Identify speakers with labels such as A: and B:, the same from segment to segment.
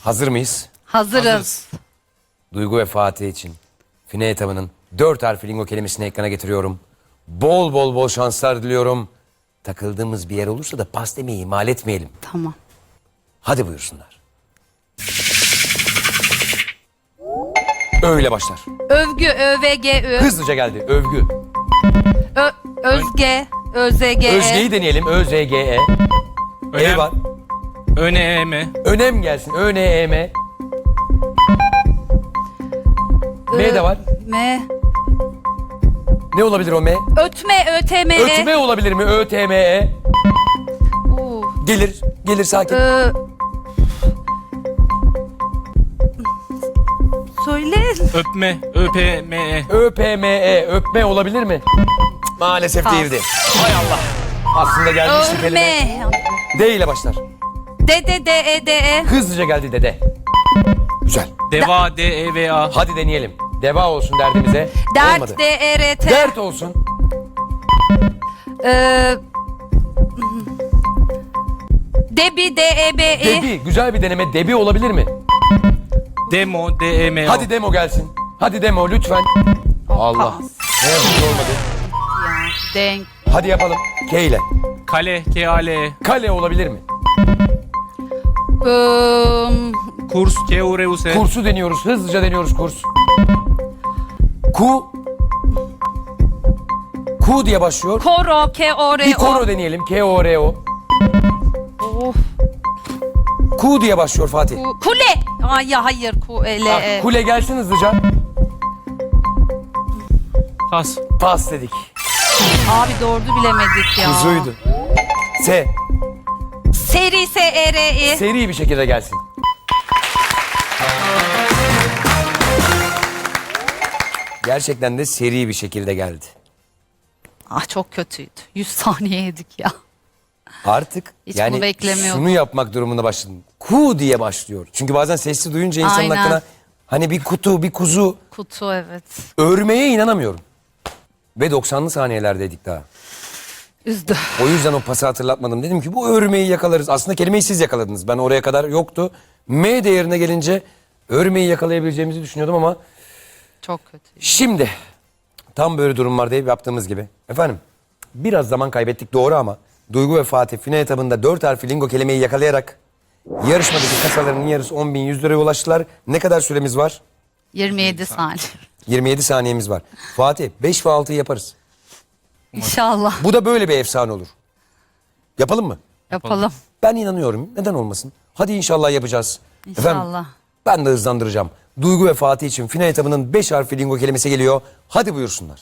A: Hazır mıyız?
B: Hazırız.
A: Duygu ve Fatih için Fine etabının 4 harfli lingo kelimesini ekrana getiriyorum. Bol bol şanslar diliyorum. Takıldığımız bir yer olursa da pas demeyi ihmal etmeyelim.
B: Tamam.
A: Hadi buyursunlar. Öyle başlar.
B: Övgü, övgü,
A: Hızlıca geldi. Övgü.
B: özge, özge.
A: Özge'yi deneyelim. ÖZGE. E var.
C: Önem.
A: Önem gelsin. ÖNEM. M de var.
B: Me.
A: Ne olabilir o M?
B: Ötme, ötme.
A: Ötme olabilir mi? ÖTME. Gelir. Gelir sakin.
B: Söyle.
C: Öpme. Öpme.
A: ÖPME. Öpme olabilir mi? Maalesef
B: Pas.
A: değildi. Hay Allah. Aslında gelmişti kelime.
B: Övme.
A: D ile başlar.
B: De.
A: Hızlıca geldi dede. Güzel.
C: Deva. DEVA.
A: Hadi deneyelim. Deva olsun derdimize. Olmadı.
B: Dert, DERT.
A: Dert olsun.
B: Debi, DEBE.
A: Debi. Güzel bir deneme. Debi olabilir mi?
C: Demo. DEMO.
A: Hadi demo gelsin. Hadi demo lütfen. Allah. Ne yazık ki olmadı.
B: Ya, denk.
A: Hadi yapalım. K ile.
C: Kale. KAL.
A: Kale olabilir mi?
C: Kurs. KURUS.
A: Kursu deniyoruz. Hızlıca deniyoruz kurs. Ku. Ku diye başlıyor.
B: Koro, K-O-R-O.
A: Bir koro deneyelim. K-O-R-O.
B: Of.
A: Ku diye başlıyor Fatih.
B: Kule. Ay ya hayır. Kule.
A: Kule gelsin hızlıca.
C: Pas.
A: Pas dedik.
B: Abi doğru bilemedik ya.
A: Kuzuydu. S.
B: Seri, S-E-R-I.
A: Seri bir şekilde gelsin. Gerçekten de seri bir şekilde geldi.
B: Ah çok kötüydü. 100 saniye yedik ya.
A: Artık
B: Hiç
A: yani
B: bunu beklemiyordum.
A: şunu yapmak durumunda başladım. Ku diye başlıyor. Çünkü bazen sesli duyunca insanın
B: Aynen.
A: aklına hani bir kutu, bir kuzu
B: Kutu evet.
A: örmeye inanamıyorum. Ve 90'lı saniyelerdeydik daha.
B: Üzdü.
A: O yüzden o pası hatırlatmadım. Dedim ki bu örmeyi yakalarız. Aslında kelimeyi siz yakaladınız. Ben oraya kadar yoktu. M değerine gelince örmeyi yakalayabileceğimizi düşünüyordum ama
B: Çok kötü.
A: şimdi tam böyle durumlarda hep yaptığımız gibi. Efendim biraz zaman kaybettik doğru ama Duygu ve Fatih Fine etabında 4 harfli lingo kelimeyi yakalayarak yarışmadaki kasalarının yarısı 10.100 liraya ulaştılar. Ne kadar süremiz var?
B: 27 saniye.
A: 27 saniyemiz var. Fatih 5 ve 6'yı yaparız.
B: İnşallah.
A: Bu da böyle bir efsane olur. Yapalım mı?
B: Yapalım.
A: Ben inanıyorum. Neden olmasın? Hadi inşallah yapacağız.
B: İnşallah.
A: Ben de hızlandıracağım. Duygu ve Fatih için Fine etabının 5 harfli lingo kelimesi geliyor. Hadi buyursunlar.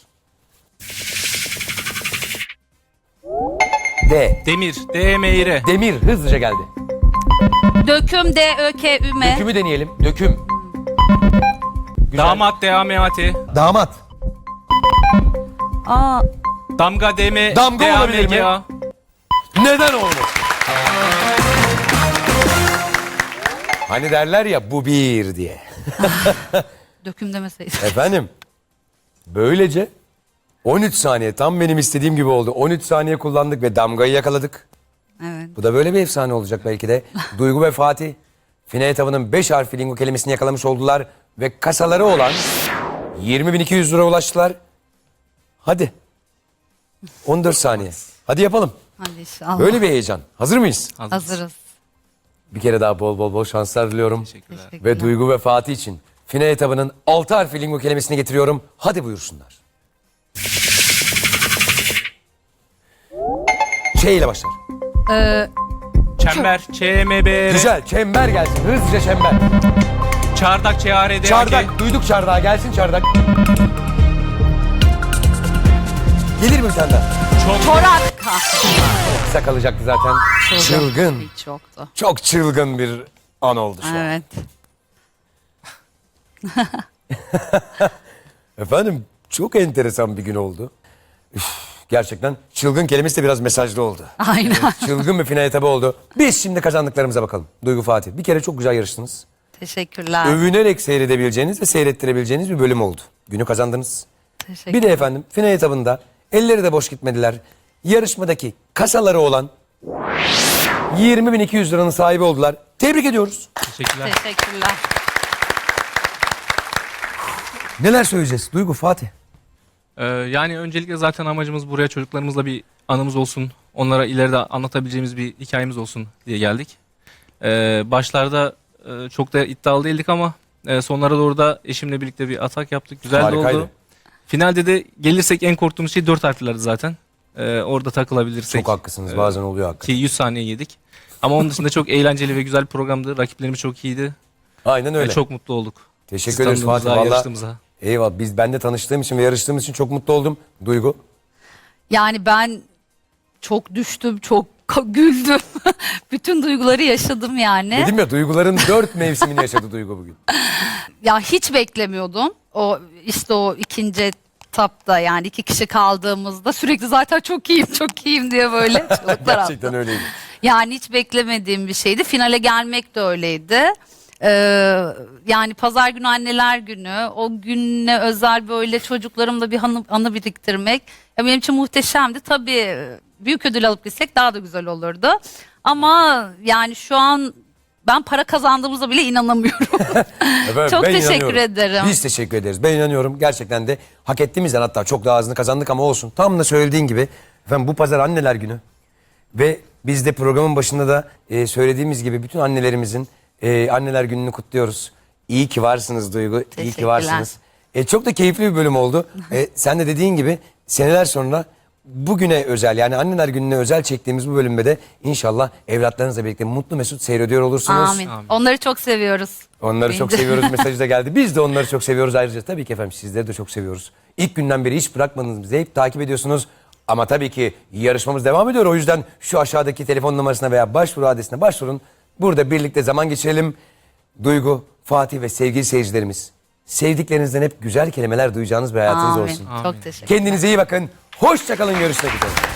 A: D.
C: Demir. DEMİR.
A: Demir hızlıca geldi.
B: Döküm, D-Ö-K-Üme.
A: Dökümü deneyelim. Döküm. Güzel.
C: Damat. DAMAT.
A: Damat.
B: Aa,
C: Damga. DM.
A: Damga olabilir mi?
C: DAMGA.
A: Neden olmuş? Hani derler ya bu bir diye.
B: döküm demeseydin.
A: Efendim böylece 13 saniye tam benim istediğim gibi oldu. 13 saniye kullandık ve damgayı yakaladık.
B: Evet.
A: Bu da böyle bir efsane olacak belki de. Duygu ve Fatih Fine etabının 5 harfli lingo kelimesini yakalamış oldular. Ve kasaları olan 20.200 lira ulaştılar. Hadi. 14 saniye. Hadi yapalım.
B: Hadi inşallah.
A: Böyle bir heyecan. Hazır mıyız?
B: Hazırız.
A: Bir kere daha bol şanslar diliyorum.
C: Teşekkürler.
A: Ve Duygu ve Fatih için Fine etabının 6 harfli lingo kelimesini getiriyorum. Hadi buyursunlar. Ç ile başlar.
C: Çember. ÇMBR.
A: Güzel. Çember gelsin. Hızlıca çember.
C: Çardak. ÇARDAK.
A: Çardak. Duyduk çardağı. Gelsin çardak. Gelir mi bir tane daha?
B: Çorak.
A: Kısa kalacaktı zaten. Çılgın.
B: Hiç yoktu.
A: Çok çılgın bir an oldu şu an.
B: Evet.
A: Efendim çok enteresan bir gün oldu. Üf, gerçekten çılgın kelimesi de biraz mesajlı oldu.
B: Aynen.
A: Çılgın bir final etabı oldu. Biz şimdi kazandıklarımıza bakalım. Duygu Fatih. Bir kere çok güzel yarıştınız.
B: Teşekkürler.
A: Övünerek seyredebileceğiniz ve seyrettirebileceğiniz bir bölüm oldu. Günü kazandınız.
B: Teşekkür.
A: Bir de efendim final etabında elleri de boş gitmediler. Yarışmadaki kasaları olan 20.200 liranın sahibi oldular. Tebrik ediyoruz.
C: Teşekkürler.
B: Teşekkürler.
A: Neler söyleyeceğiz? Duygu, Fatih.
C: Yani öncelikle zaten amacımız buraya çocuklarımızla bir anımız olsun. Onlara ileride anlatabileceğimiz bir hikayemiz olsun diye geldik. Başlarda çok da iddialı değildik ama sonlara doğru da eşimle birlikte bir atak yaptık. Güzel de
A: Harikaydı.
C: oldu. Finalde de gelirsek en korktuğumuz şey 4 harflerdi zaten. Orada takılabilirsek.
A: Çok haklısınız. Bazen oluyor hakikaten.
C: Ki 100 saniye yedik. Ama onun dışında çok eğlenceli ve güzel bir programdı. Rakiplerimiz çok iyiydi.
A: Aynen öyle.
C: Çok mutlu olduk.
A: Teşekkür ederiz Fatih.
C: Tanıdığımıza,
A: Vallahi
C: yarıştığımıza.
A: eyvallah. Ben de tanıştığım için ve yarıştığımız için çok mutlu oldum. Duygu.
B: Yani ben çok düştüm, çok güldüm. Bütün duyguları yaşadım yani.
A: Dedim ya, duyguların 4 mevsimini yaşadı Duygu bugün.
B: Ya hiç beklemiyordum. O işte o ikinci etapta yani 2 kişi kaldığımızda sürekli zaten çok iyiyim, çok iyiyim diye böyle çığlıklar attım.
A: Gerçekten öyleydi.
B: Yani hiç beklemediğim bir şeydi. Finale gelmek de öyleydi. Yani pazar günü anneler günü, o güne özel böyle çocuklarımla bir anı biriktirmek ya benim için muhteşemdi. Tabii büyük ödül alıp gitsek daha da güzel olurdu. Ama yani şu an ben para kazandığımıza bile inanamıyorum.
A: Efendim,
B: Çok
A: ben
B: teşekkür
A: inanıyorum.
B: ederim.
A: Biz teşekkür ederiz. Ben inanıyorum. Gerçekten de hak ettiğimizden, hatta çok daha azını kazandık ama olsun. Tam da söylediğin gibi efendim, bu pazar anneler günü. Ve biz de programın başında da söylediğimiz gibi bütün annelerimizin anneler gününü kutluyoruz. İyi ki varsınız Duygu. İyi ki
B: Teşekkürler.
A: varsınız. Çok da keyifli bir bölüm oldu. Sen de dediğin gibi seneler sonra bugüne özel, yani anneler gününe özel çektiğimiz bu bölümde de inşallah evlatlarınızla birlikte mutlu mesut seyrediyor olursunuz.
B: Amin. Onları çok seviyoruz.
A: Onları
B: Beni
A: çok
B: de.
A: seviyoruz mesajı da geldi. Biz de onları çok seviyoruz ayrıca. Tabii ki efendim, sizleri de çok seviyoruz. İlk günden beri hiç bırakmadınız bizi. Hep takip ediyorsunuz. Ama tabii ki yarışmamız devam ediyor. O yüzden şu aşağıdaki telefon numarasına veya başvuru adresine başvurun. Burada birlikte zaman geçirelim. Duygu, Fatih ve sevgili seyircilerimiz, sevdiklerinizden hep güzel kelimeler duyacağınız bir hayatınız
B: Amin.
A: olsun.
B: Çok teşekkür
A: Kendinize iyi bakın. Hoşça kalın. Görüşmek üzere.